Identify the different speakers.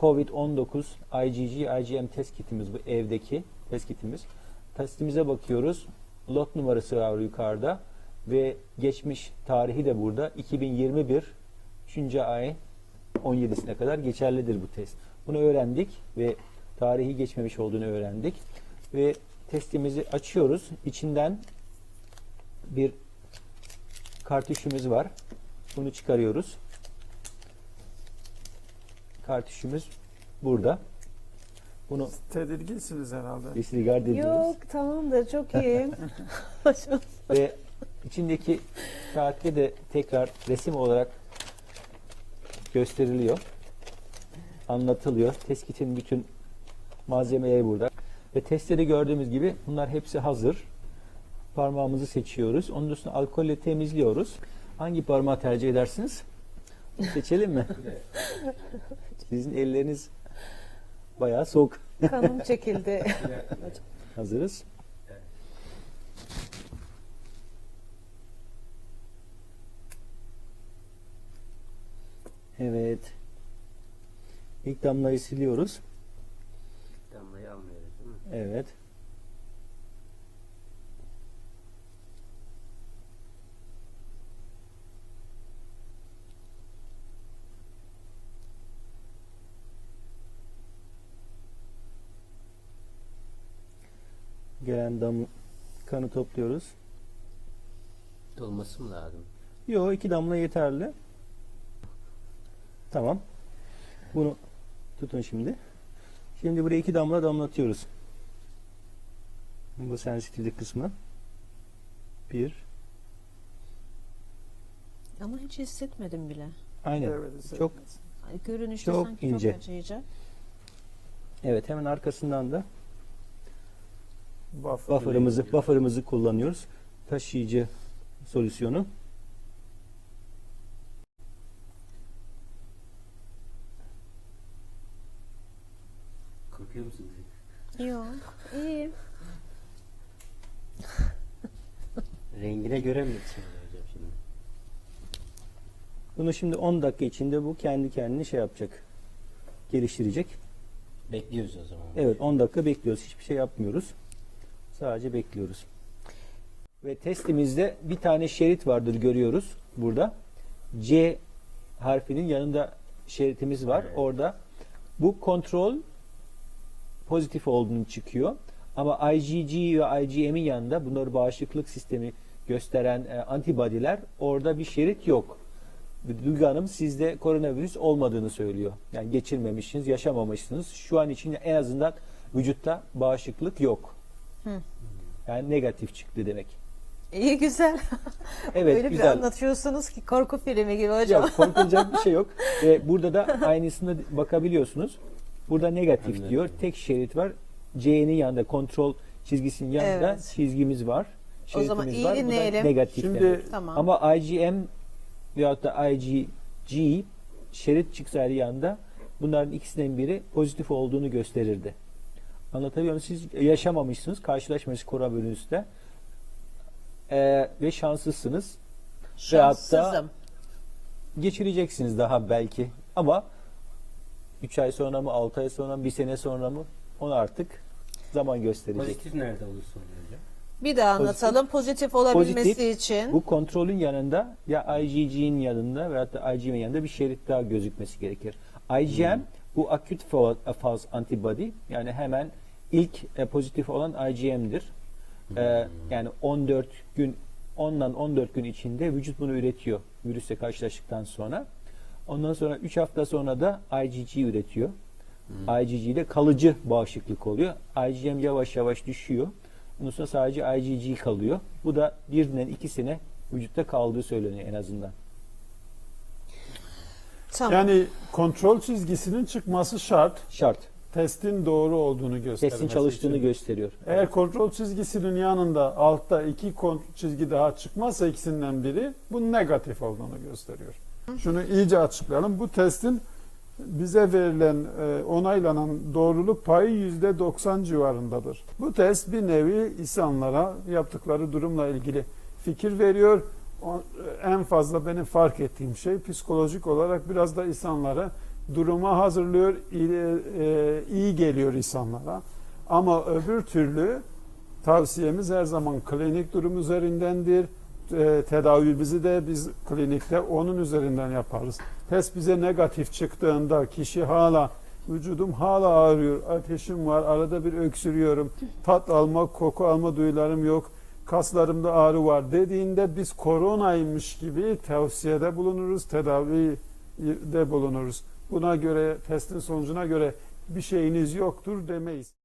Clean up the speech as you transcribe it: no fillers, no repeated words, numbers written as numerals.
Speaker 1: COVID-19 IgG, IgM test kitimiz, bu evdeki test kitimiz. Testimize bakıyoruz. Lot numarası var yukarıda ve geçmiş tarihi de burada. 2021 3. ay 17'sine kadar geçerlidir bu test. Bunu öğrendik ve tarihi geçmemiş olduğunu öğrendik. Ve testimizi açıyoruz. İçinden bir kartuşumuz var. Bunu çıkarıyoruz. Kartuşumuz burada. Bunu
Speaker 2: Tedirginsiniz herhalde.
Speaker 1: disregard ediyoruz.
Speaker 3: Yok, tamam da çok iyi.
Speaker 1: Ve içindeki kağıtta de tekrar resim olarak gösteriliyor. Anlatılıyor. Test kitin bütün malzemeleri burada. Ve testte de gördüğümüz gibi bunlar hepsi hazır. Parmağımızı seçiyoruz. Onun üstüne alkolle temizliyoruz. Hangi parmağı tercih edersiniz? Seçelim mi? Sizin elleriniz bayağı soğuk.
Speaker 3: Kanım çekildi.
Speaker 1: Hazırız. Evet. İlk damlayı siliyoruz.
Speaker 4: Damlayı almıyoruz değil mi?
Speaker 1: Evet. Gelen kanı topluyoruz.
Speaker 4: Dolması mı lazım?
Speaker 1: Yok, 2 damla yeterli. Tamam. Bunu tutun şimdi. Şimdi buraya 2 damla damlatıyoruz. Bu sensitivlik kısmı. 1.
Speaker 3: Ama hiç hissetmedim bile.
Speaker 1: Aynen.
Speaker 2: Evet,
Speaker 1: Çok
Speaker 3: Ay, görünüşte
Speaker 1: Çok
Speaker 3: sanki
Speaker 1: ince.
Speaker 3: çok acıyacak.
Speaker 1: evet, hemen arkasından da
Speaker 2: Buffer.
Speaker 1: buffer'ımızı kullanıyoruz. Taşıyıcı solüsyonu.
Speaker 4: Korkuyor musunuz?
Speaker 3: Yok, iyi.
Speaker 4: Rengine göre mi yetişiyor hocam şimdi?
Speaker 1: Bunu şimdi 10 dakika içinde bu kendi kendine şey yapacak. Geliştirecek.
Speaker 4: Bekliyoruz o zaman.
Speaker 1: Evet, 10 dakika bekliyoruz. Hiçbir şey yapmıyoruz. Sadece bekliyoruz. Ve testimizde bir tane şerit vardır, görüyoruz burada. C harfinin yanında şeritimiz var.
Speaker 4: Evet.
Speaker 1: Orada bu kontrol pozitif olduğunu çıkıyor. Ama IgG ve IgM'in yanında, bunları bağışıklık sistemi gösteren antibody'ler, orada bir şerit yok. Duygu Hanım sizde koronavirüs olmadığını söylüyor. Yani geçirmemişsiniz, yaşamamışsınız. Şu an için en azından vücutta bağışıklık yok.
Speaker 3: Hı.
Speaker 1: Yani negatif çıktı demek.
Speaker 3: İyi, güzel.
Speaker 1: Evet,
Speaker 3: Öyle bir
Speaker 1: güzel.
Speaker 3: anlatıyorsunuz ki korku filmi gibi hocam.
Speaker 1: Yok, korkulacak bir şey yok. Ve burada da aynısına bakabiliyorsunuz. Burada negatif
Speaker 4: Anladım.
Speaker 1: diyor. Tek şerit var. C'nin yanında, kontrol çizgisinin yanında
Speaker 3: Evet.
Speaker 1: çizgimiz var.
Speaker 3: O zaman
Speaker 1: Şeritimiz
Speaker 3: iyi
Speaker 1: var. Bu da
Speaker 3: dinleyelim.
Speaker 1: negatif
Speaker 2: Şimdi
Speaker 1: demek.
Speaker 3: Tamam.
Speaker 1: Ama IgM veyahut da IgG şerit çıksaydı yanında, bunların ikisinden biri pozitif olduğunu gösterirdi. Anlatabiliyor muyum? Siz yaşamamışsınız, karşılaşmışsınız koronavirüsle ve şanslısınız. Veyahut da
Speaker 3: Şanssızım.
Speaker 1: geçireceksiniz daha belki. Ama 3 ay sonra mı, 6 ay sonra mı, 1 sene sonra mı, onu artık zaman gösterecek.
Speaker 4: Pozitif nerede olursa oluyor hocam?
Speaker 3: Bir daha anlatalım. Pozitif olabilmesi
Speaker 1: Pozitif,
Speaker 3: için.
Speaker 1: Bu kontrolün yanında ya IgG'nin yanında veyahut da IgM'in yanında bir şerit daha gözükmesi gerekir. IgM bu acute false antibody, yani hemen ilk pozitif olan IgM'dir. Yani 14 gün 10'dan 14 gün içinde vücut bunu üretiyor virüsle karşılaştıktan sonra. Ondan sonra 3 hafta sonra da IgG üretiyor. IgG ile kalıcı bağışıklık oluyor. IgM yavaş yavaş düşüyor. Ondan sonra sadece IgG kalıyor. Bu da 1'den 2'sine vücutta kaldığı söyleniyor en azından.
Speaker 3: Tamam.
Speaker 2: Yani kontrol çizgisinin çıkması şart.
Speaker 1: Şart.
Speaker 2: Testin doğru olduğunu göstermesi
Speaker 1: Testin çalıştığını
Speaker 2: için.
Speaker 1: gösteriyor.
Speaker 2: Eğer kontrol çizgisinin yanında altta 2 çizgi daha çıkmazsa ikisinden biri, bu negatif olduğunu gösteriyor. Şunu iyice açıklayalım. Bu testin bize verilen onaylanan doğruluk payı %90 civarındadır. Bu test bir nevi insanlara yaptıkları durumla ilgili fikir veriyor. En fazla benim fark ettiğim şey, psikolojik olarak biraz da insanlara duruma hazırlıyor, iyi geliyor insanlara. Ama öbür türlü tavsiyemiz her zaman klinik durum üzerindendir. Tedavimizi de biz klinikte onun üzerinden yaparız. Test bize negatif çıktığında kişi vücudum hala ağrıyor, ateşim var, arada bir öksürüyorum, tat alma, koku alma duyularım yok, kaslarımda ağrı var dediğinde biz koronaymış gibi tavsiyede bulunuruz, tedavide bulunuruz. Buna göre, testin sonucuna göre bir şeyiniz yoktur demeyiz.